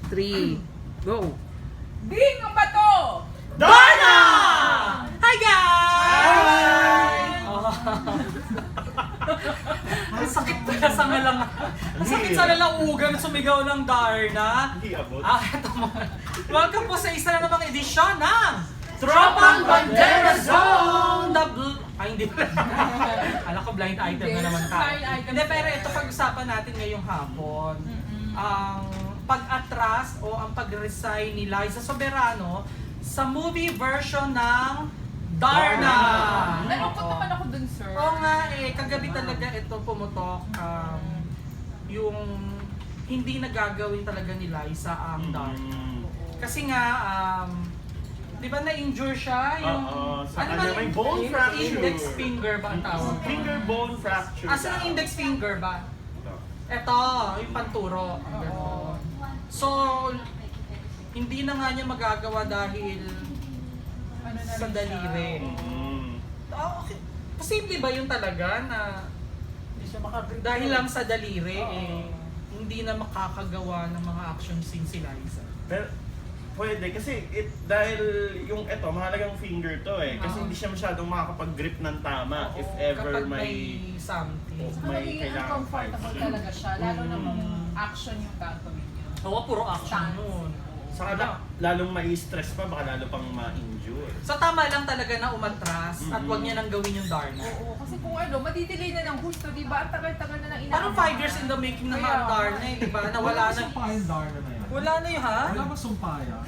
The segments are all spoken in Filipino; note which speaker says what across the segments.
Speaker 1: 3, go!
Speaker 2: Bing ang bato!
Speaker 1: Darna! Hi guys!
Speaker 3: Hi!
Speaker 1: Ang sakit pala sa ngalang. Ang sakit sa lalaugan na sumigaw ng Darna.
Speaker 3: Hindi abot.
Speaker 1: Eto mo. Welcome po sa isa na namang edisyon ng Tropang Bandera Zone! Ay, hindi pala. Alam ko blind item na naman tayo.
Speaker 2: Blind item.
Speaker 1: Hindi, pero ito pag-usapan natin ngayong hapon. Ang pag-atras o ang pag-resign ni Liza Soberano sa movie version ng Darna.
Speaker 2: Nalungkot naman ako dun, sir.
Speaker 1: Oo nga eh, kagabi talaga ito pumutok yung hindi nagagawin talaga ni Liza ang Darna. Kasi nga, di ba na-injure siya? Yung,
Speaker 3: sa kanya may bone fracture.
Speaker 1: Index finger ba ang tawag?
Speaker 3: Finger bone fracture.
Speaker 1: Asan ang index finger ba? Ito, yung panturo. Ganon. So, hindi na nga niya magagawa dahil
Speaker 2: Ano na
Speaker 1: sa
Speaker 2: rin
Speaker 1: daliri. Okay. Posible ba yun talaga na dahil lang sa daliri, hindi na makakagawa ng mga action scene si Liza?
Speaker 3: Pero, pwede kasi dahil yung ito, mahalagang finger to eh. Kasi hindi siya masyadong makakapag-grip ng tama if ever
Speaker 1: kapag
Speaker 3: may
Speaker 1: something.
Speaker 3: may
Speaker 2: Magiging
Speaker 3: kailangan
Speaker 2: uncomfortable
Speaker 3: fight.
Speaker 2: talaga siya, lalo na kung action yung gagawin niya.
Speaker 1: Oo, puro action
Speaker 2: Stance.
Speaker 1: nun.
Speaker 3: Saka lalong mai-stress pa, baka lalo pang ma-injure.
Speaker 1: So tama lang talaga na umatras at wag niya nang gawin yung Darna.
Speaker 2: Oo, kasi kung ano, madidelay na ng gusto, di ba? Ang tagal-tagal na nang
Speaker 1: Parang 5 years in the making naman ang Darna eh, di ba? Na wala na.
Speaker 4: sumpa yung Darna na yan.
Speaker 1: Wala na yun ha?
Speaker 4: Wala bang sumpa yan?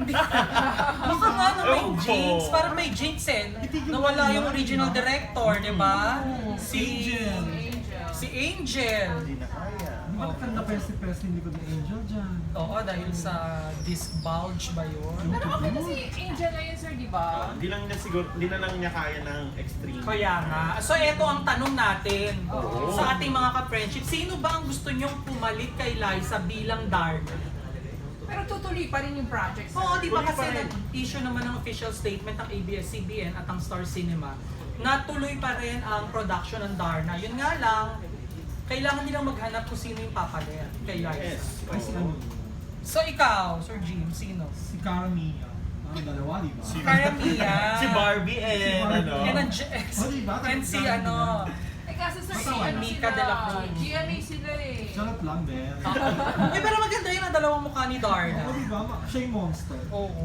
Speaker 1: Baka nga na may
Speaker 3: Ewan ko.
Speaker 1: jinx, parang may jinx eh. Nawala yung original director, di ba?
Speaker 4: Angel.
Speaker 1: Si Angel.
Speaker 3: Hindi na kaya.
Speaker 4: Bakit ka na-pesi-pesi hindi ko na Angel dyan?
Speaker 1: Oo, dahil sa disc bulge ba yun?
Speaker 2: Pero okay na si Angel na yun, sir, di ba?
Speaker 3: Hindi lang niya siguro, hindi na lang niya kaya ng extreme.
Speaker 1: Kaya nga. So eto ang tanong natin
Speaker 3: Oo.
Speaker 1: sa ating mga ka-friendship. Sino ba ang gusto nyong pumalit kay Liza bilang Darna?
Speaker 2: Pero tutuloy pa rin yung project, sir.
Speaker 1: Oo, di ba
Speaker 3: Tuloy
Speaker 1: kasi
Speaker 3: pa rin.
Speaker 1: nag-issue naman ng official statement ng ABS-CBN at ang Star Cinema na tuloy pa rin ang production ng Darna. Yun nga lang, kailangan nilang maghanap kung sino yung papalit kay Liza.
Speaker 3: Yes.
Speaker 4: Ay, si
Speaker 3: Oo.
Speaker 4: ano?
Speaker 1: So ikaw, Sir Jim, sino?
Speaker 4: Si Cara Mia. Ang dalawa, di ba?
Speaker 1: Kaya Mia.
Speaker 3: Si Barbie and
Speaker 4: Si Barbie.
Speaker 3: ano.
Speaker 1: And,
Speaker 4: Oh, di ba?
Speaker 1: and si ano,
Speaker 2: Eh kasi sir,
Speaker 1: Si
Speaker 2: ano
Speaker 1: Mika
Speaker 2: sila,
Speaker 1: de la Cruz.
Speaker 2: GMA sila eh.
Speaker 4: Charot lang, Ben.
Speaker 1: eh pero maganda yun ang dalawang mukha ni Darna.
Speaker 4: Oo, di ba? Siya yung monster.
Speaker 1: Oo.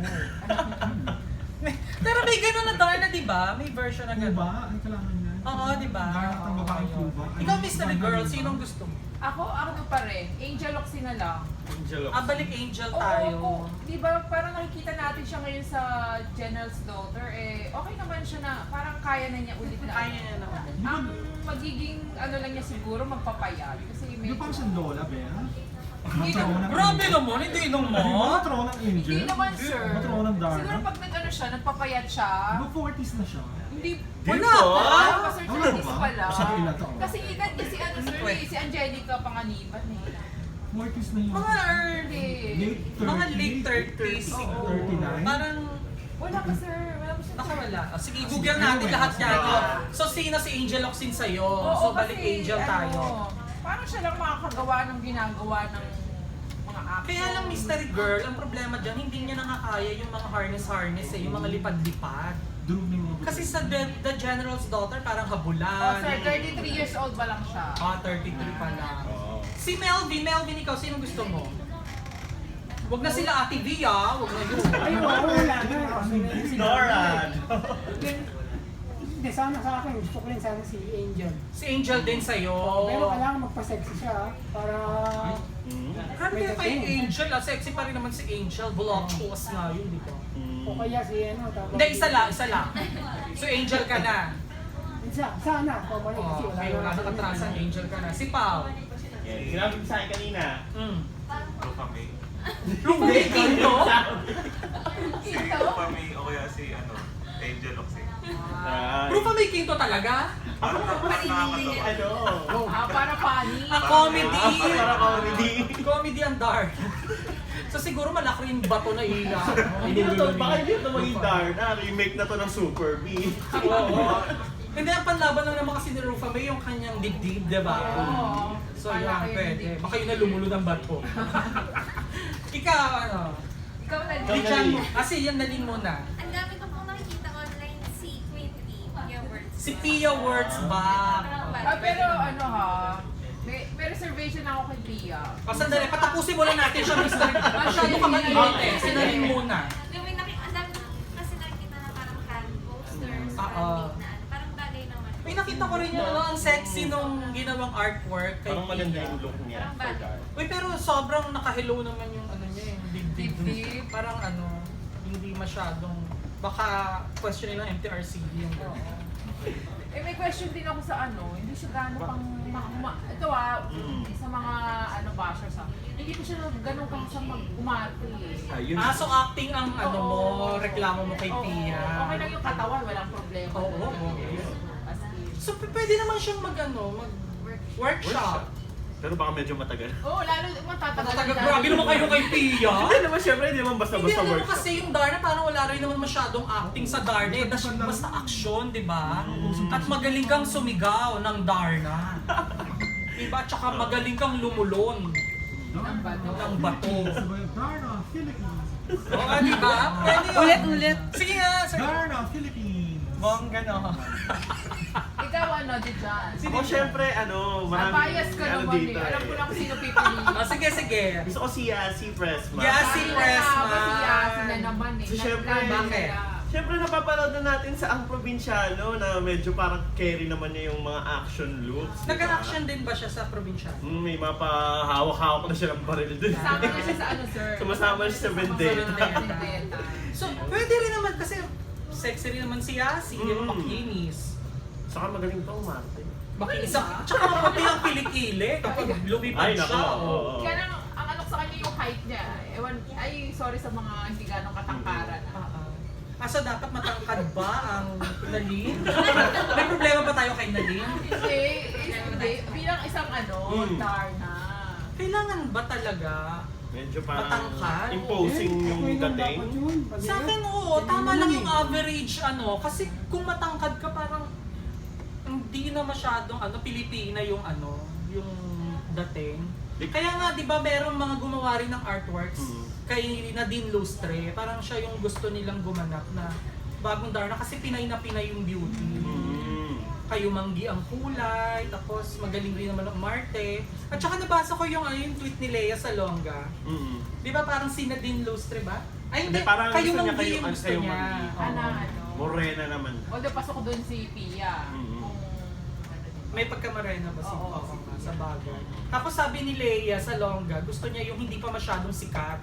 Speaker 1: Pero may gano'n na Darna, di ba? May version na
Speaker 4: Ano
Speaker 1: gano'n.
Speaker 4: ba? Ang kailangan niya?
Speaker 1: Oo, di ba?
Speaker 4: Darna at ang babaeng
Speaker 1: Oo.
Speaker 4: Cuba.
Speaker 1: Ikaw, mystery girl, sinong gusto mo?
Speaker 2: Ako, ano pa rin, Angel Oxy na lang.
Speaker 3: Angel of
Speaker 1: Balik Angel tayo.
Speaker 2: Oo, di ba parang nakikita natin siya ngayon sa General's Daughter, eh okay naman siya na parang kaya na niya ulit na.
Speaker 1: Kaya niya naman.
Speaker 2: Ang magiging ano lang niya siguro magpapayat kasi
Speaker 4: Di
Speaker 2: medyo...
Speaker 4: ba parang siyang Lola, Ben?
Speaker 2: Hindi
Speaker 4: Matrona ng
Speaker 1: Grabe
Speaker 4: Angel.
Speaker 1: naman, hindi nung
Speaker 4: Di ba
Speaker 1: mo.
Speaker 4: matrona ng Angel?
Speaker 2: Hindi naman sir.
Speaker 4: Matrona ng Darna?
Speaker 2: Siguro pag nag-ano siya, nagpapayat siya.
Speaker 4: Di ba 40s na siya?
Speaker 2: Hindi,
Speaker 1: Wala
Speaker 3: Dito?
Speaker 1: pa.
Speaker 2: wala pa sir,
Speaker 4: Wala
Speaker 2: 30s
Speaker 4: ba?
Speaker 2: pa lang.
Speaker 4: Masyado ilan taon?
Speaker 2: Kasi edad niya si ano sir, si Angelica Panganiban eh.
Speaker 4: 40s na yun.
Speaker 1: Mga early.
Speaker 4: Late 30s.
Speaker 1: Mga late 30s siguro.
Speaker 4: 39?
Speaker 1: Parang
Speaker 2: Wala pa sir, wala pa siya.
Speaker 1: nakawala. Sige, Google natin lahat yan. So, sino si Angel Oxin sa'yo? So, balik
Speaker 2: kasi,
Speaker 1: Angel tayo.
Speaker 2: Paano siya lang makakagawa ng ginagawa ng mga action?
Speaker 1: Kaya lang mystery girl, ang problema dyan, hindi niya nakakaya yung mga harness eh, yung mga lipad-lipad.
Speaker 4: Durog na yung mga
Speaker 1: Kasi sa The General's Daughter, parang
Speaker 2: Oh
Speaker 1: habulan.
Speaker 2: sir, 33 years old pa lang siya.
Speaker 1: 33 pa lang.
Speaker 3: Oo.
Speaker 1: Si Melvin, ikaw, sino gusto mo? Wag na sila Ate V ah, wag na yun.
Speaker 5: Ay, wala na.
Speaker 3: Doran!
Speaker 5: Hindi, sana sa akin. Gusto ko rin sana si Angel.
Speaker 1: Si Angel din sa'yo.
Speaker 5: Pero kailangan magpa-sexy siya para...
Speaker 1: Ano kaya pa yung Angel ah? Sexy pa rin naman si Angel. Voluptuous nga yun, di ba?
Speaker 5: O kaya si ano, tapos...
Speaker 1: Hindi, isa lang. So Angel ka na.
Speaker 5: Sana, pabalik kasi
Speaker 1: Oh, okay, wala nakatrasan, Angel ka na. Si Pao.
Speaker 3: Yan, sinabi ko sa akin kanina.
Speaker 6: Rufa May.
Speaker 1: Hindi, Kinto.
Speaker 6: Si Rufa May o kaya si Angel Oxy.
Speaker 1: Rufa may Kinto talaga?
Speaker 6: Parang nakakatawa.
Speaker 3: Ano?
Speaker 2: Para funny.
Speaker 1: Comedy.
Speaker 3: Para comedy.
Speaker 1: Comedy ang dark. So siguro malaki yung bato na ila.
Speaker 3: Hindi na to, baka hindi ito maging Darna. Remake na to ng Super B.
Speaker 1: Oo. Hindi, ang panlaban lang naman kasi ni Rufa May yung kanyang dibdib, di ba?
Speaker 2: Oo.
Speaker 1: So
Speaker 2: Malaki
Speaker 1: yan,
Speaker 2: yung
Speaker 1: pwede.
Speaker 2: dibdib.
Speaker 1: Baka yun na lumulod ang bato. Ikaw, ikaw, ano?
Speaker 2: Ikaw na
Speaker 3: Ikaw
Speaker 2: din.
Speaker 3: na din.
Speaker 1: Kasi yan naling muna.
Speaker 7: Ang dami ko pong nakikita online si Queen Pia Words.
Speaker 1: Si Pia Words ba?
Speaker 2: Pero ano ha, may reservation ako kay Pia.
Speaker 1: O sandali, patapusin muna natin siya, Mr. Masyado ka mainit eh. Sinaling muna.
Speaker 7: Ang dami ko kasi nakikita na parang hand posters,
Speaker 1: Oo.
Speaker 7: parang big na ano. Parang bagay naman.
Speaker 1: May nakita ko rin yung ano, ang sexy nung ginawang artwork kay
Speaker 3: Parang maganda
Speaker 1: Pia.
Speaker 3: yung look niya
Speaker 7: Parang
Speaker 3: for
Speaker 7: bad.
Speaker 3: dark.
Speaker 1: Uy, pero sobrang naka-hello naman yung ano niya eh, dibdib.
Speaker 2: Dibdib.
Speaker 1: Parang ano, hindi masyadong, baka question nila MTRCB yung
Speaker 2: May question din ako sa ano, hindi siya gano'n pang, ito sa mga ano bashers ha, hindi ko siya gano'n kang sa mag-umarte eh.
Speaker 3: Ayun.
Speaker 1: So acting ang ano mo, reklamo mo kay
Speaker 2: Oo,
Speaker 1: Pia.
Speaker 2: okay lang yung katawan, walang problema.
Speaker 1: Oo.
Speaker 2: As in.
Speaker 1: So pwede naman siyang workshop.
Speaker 3: Pero baka medyo matagal.
Speaker 2: Oo, lalo matatagal.
Speaker 1: Grabe naman kayo kay Pia.
Speaker 3: Hindi naman, syempre, hindi naman
Speaker 1: Hindi,
Speaker 3: basta-basta
Speaker 1: alam mo
Speaker 3: workshop.
Speaker 1: kasi yung Darna parang wala rin naman masyadong acting sa Darna eh. Basta action, di ba? At magaling kang sumigaw ng Darna. Diba? Tsaka magaling kang lumulon
Speaker 2: Ng bato.
Speaker 1: ng bato.
Speaker 4: Sabay, Darna, Philippines.
Speaker 1: Oo, di ba? Pwede yun. Ulit. Sige nga. Sige.
Speaker 4: Darna, Philippines.
Speaker 1: Bongga no.
Speaker 2: Ikaw ano, Dijan?
Speaker 3: Ako, syempre, ano,
Speaker 2: Ah, bias ka
Speaker 3: ano
Speaker 2: naman
Speaker 3: dito
Speaker 2: eh. Alam ko
Speaker 3: eh.
Speaker 2: lang kung sino pipiliin.
Speaker 1: Sige, sige.
Speaker 3: Gusto ko si Yasi Pressman.
Speaker 1: Yasi Pressman.
Speaker 2: Kasi Yasi na naman eh.
Speaker 3: So, syempre,
Speaker 1: bakit?
Speaker 3: Siyempre, napapanood na natin sa Ang Probinsyano na medyo parang carry naman niya yung mga action looks. diba?
Speaker 1: Nag-action din ba siya sa probinsya?
Speaker 3: May mapahawak-hawak na siya ng baril dun.
Speaker 2: Kasama na siya sa ano, sir?
Speaker 3: Sumasama siya sa Vendetta.
Speaker 2: Vendetta.
Speaker 1: So, pwede rin naman kasi sexy rin naman si Yasi, di ba? Makinis.
Speaker 3: Saka magaling pa umarte.
Speaker 1: Makinis ang, tsaka maputi ang kilikili kapag lumipad
Speaker 3: Ay, nako,
Speaker 1: siya.
Speaker 3: oo.
Speaker 2: Kaya lang, ang ano sa kanya yung height niya. Ewan, ay sorry sa mga hindi ganong katangkaran.
Speaker 1: So dapat matangkad ba ang Nalin? May problema ba tayo kay Nalin?
Speaker 2: Hindi. Bilang isang ano, Darna.
Speaker 1: Kailangan ba talaga?
Speaker 3: Medyo parang
Speaker 1: Matangkad?
Speaker 3: imposing yung
Speaker 5: Okay lang
Speaker 3: dating.
Speaker 5: dapat yun. Pag-
Speaker 1: Sa akin oo, tama lang yung average ano. Kasi kung matangkad ka parang hindi na masyadong ano, Pilipina yung ano, yung dating. Kaya nga 'di ba merong mga gumawa rin ng artworks kay Nadine Lustre, parang siya yung gusto nilang gumanap na bagong Darna kasi Pinay na Pinay yung beauty. Kayo manggi ang kulay, tapos magaling rin naman ang Marte. At saka nabasa ko yung, yung tweet ni Lea Salonga. Di ba parang si Nadine Lustre ba? Ay hindi,
Speaker 3: Hindi, parang
Speaker 1: kayo
Speaker 3: gusto niya
Speaker 1: manggi
Speaker 3: kayo-
Speaker 1: yung gusto
Speaker 3: kayo
Speaker 1: niya.
Speaker 3: manggi.
Speaker 1: Oo.
Speaker 2: Ano.
Speaker 3: Morena naman.
Speaker 2: Although pasok ko doon si Pia.
Speaker 1: May pagkamarena ba si
Speaker 2: Oo,
Speaker 1: Oo,
Speaker 2: si
Speaker 1: nga, sa bagay. Tapos sabi ni Lea Salonga, gusto niya yung hindi pa masyadong sikat.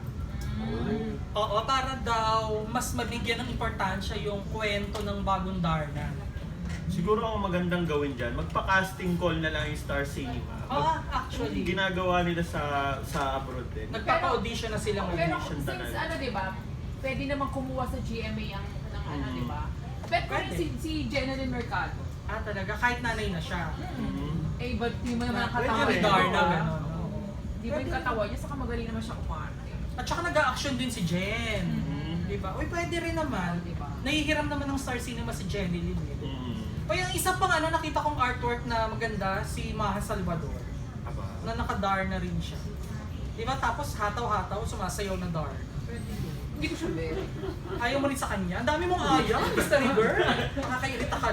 Speaker 1: Oo, para daw mas mabigyan ng importansya yung kwento ng bagong Darna.
Speaker 3: Siguro ang magandang gawin dyan, magpa-casting call na lang yung Star Cinema.
Speaker 1: Oo, actually.
Speaker 3: Ginagawa nila sa abroad din.
Speaker 1: Nagpapa-audition na sila
Speaker 2: Pero
Speaker 1: ngayon.
Speaker 3: Audition
Speaker 2: since
Speaker 3: talaga.
Speaker 2: ano, di ba, pwede naman kumuha sa GMA ang ng ano, di ba? Bet ko rin
Speaker 1: Pwede.
Speaker 2: si Jenalyn Mercado.
Speaker 1: Ah, talaga? Kahit nanay na siya.
Speaker 2: Eh, but di mo naman ang
Speaker 3: Pwede
Speaker 2: katawan
Speaker 3: rin.
Speaker 2: niya.
Speaker 1: Darna, gano'n.
Speaker 2: Di ba yung katawan niya, saka magaling naman siya umarte.
Speaker 1: At saka nag-a-action din si Jen.
Speaker 3: Mhm.
Speaker 1: Di ba? Uy, pwede rin naman.
Speaker 2: Diba?
Speaker 1: Nahihiram naman ng Star Cinema si Jenny Lin. O yung isa pang ano, nakita kong artwork na maganda, si Maha Salvador.
Speaker 3: Aba.
Speaker 1: Na naka-dar na rin siya. Di ba? Tapos hataw-hataw, sumasayaw na dar.
Speaker 2: Hindi ko siya bet.
Speaker 1: Ayaw mo rin sa kanya? Ang dami mong ayaw, mystery girl. Nakakairita ka.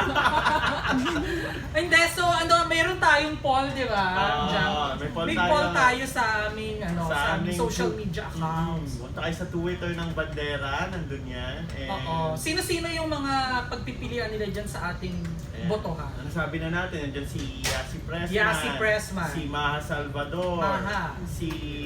Speaker 1: Hindi, so ano, mayroon tayong poll, di ba? Diyan.
Speaker 3: may poll
Speaker 1: Tayo sa aming, ano, sa aming social media accounts.
Speaker 3: Punta kayo sa Twitter ng Bandera, nandun yan.
Speaker 1: Oo. Sino-sino yung mga pagpipilian nila dyan sa ating botohan?
Speaker 3: Ano sabi na natin? Nandiyan si Yasi Pressman.
Speaker 1: Yasi Pressman.
Speaker 3: Si Maha Salvador.
Speaker 1: Maha.
Speaker 3: Si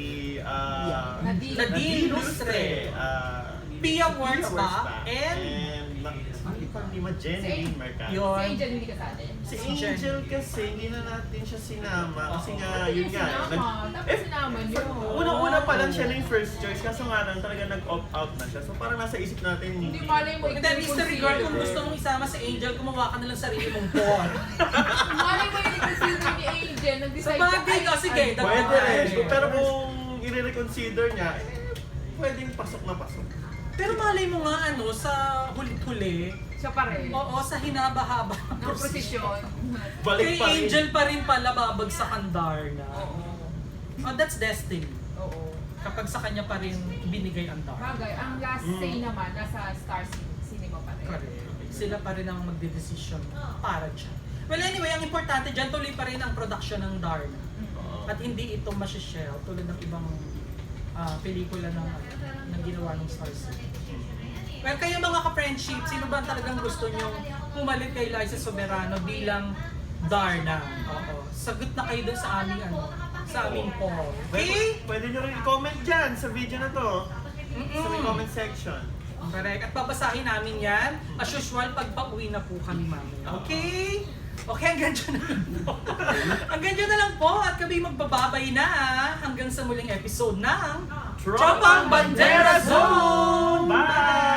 Speaker 2: Nadine
Speaker 3: Lustre.
Speaker 1: Pia Words ba?
Speaker 3: And Lima Jenny
Speaker 2: Si-
Speaker 3: Mercado.
Speaker 2: Si
Speaker 1: Yun.
Speaker 2: Angel hindi kasali.
Speaker 3: Si
Speaker 1: Si
Speaker 3: Angel kasi hindi na natin siya sinama kasi nga yun nga.
Speaker 2: Dapat sinama niyo.
Speaker 3: Unang-una pa lang siya na yung first choice kaso nga lang talaga nag-opt out na siya. So parang nasa isip natin
Speaker 2: Hindi malay mo.
Speaker 1: Hindi, mystery girl, kung gusto mong isama si Angel, gumawa ka na lang sarili mong poll.
Speaker 2: Malay mo yung consider ni Angel.
Speaker 1: Sa
Speaker 2: Nag-decide
Speaker 1: bagay ka, sige.
Speaker 2: ay,
Speaker 1: dagdag
Speaker 3: pwede
Speaker 1: ka.
Speaker 3: rin. Pero kung i-reconsider niya, pwedeng pasok na pasok.
Speaker 1: Pero malay mo nga ano, sa huli-huli,
Speaker 2: Siya pa rin.
Speaker 1: oo, sa hinaba-haba
Speaker 2: Ng prosesyon.
Speaker 3: Balik
Speaker 1: kay
Speaker 3: pa rin.
Speaker 1: Angel pa rin pala babagsakan Darna.
Speaker 2: Oo.
Speaker 1: Oh, that's destiny.
Speaker 2: Oo.
Speaker 1: kapag sa kanya pa rin binigay ang Darna.
Speaker 2: Bagay, ang last say naman, nasa Star Cinema pa rin.
Speaker 1: Correct. Sila pa rin ang magdedesisyon para dyan. Well anyway, ang importante dyan, tuloy pa rin ang production ng Darna. At hindi ito masishare tulad ng ibang pelikula ng ginawa ng Star Cinema. Well, kayo mga ka-friendship, sino ba talagang gusto nyong pumalit kay Liza Soberano bilang Darna? Oo. Sagot na kayo dun sa aming sa aming poll. Okay?
Speaker 3: Pwede nyo rin i-comment dyan sa video na to. Sa may comment section.
Speaker 1: Correct. At babasahin namin yan. As usual, pag pauwi na po kami mamaya. Okay? Okay, hanggang dyan na lang po. Hanggang dyan na lang po at kami magbababay na hanggang sa muling episode ng
Speaker 3: Tropang Bandera Zone! Bye!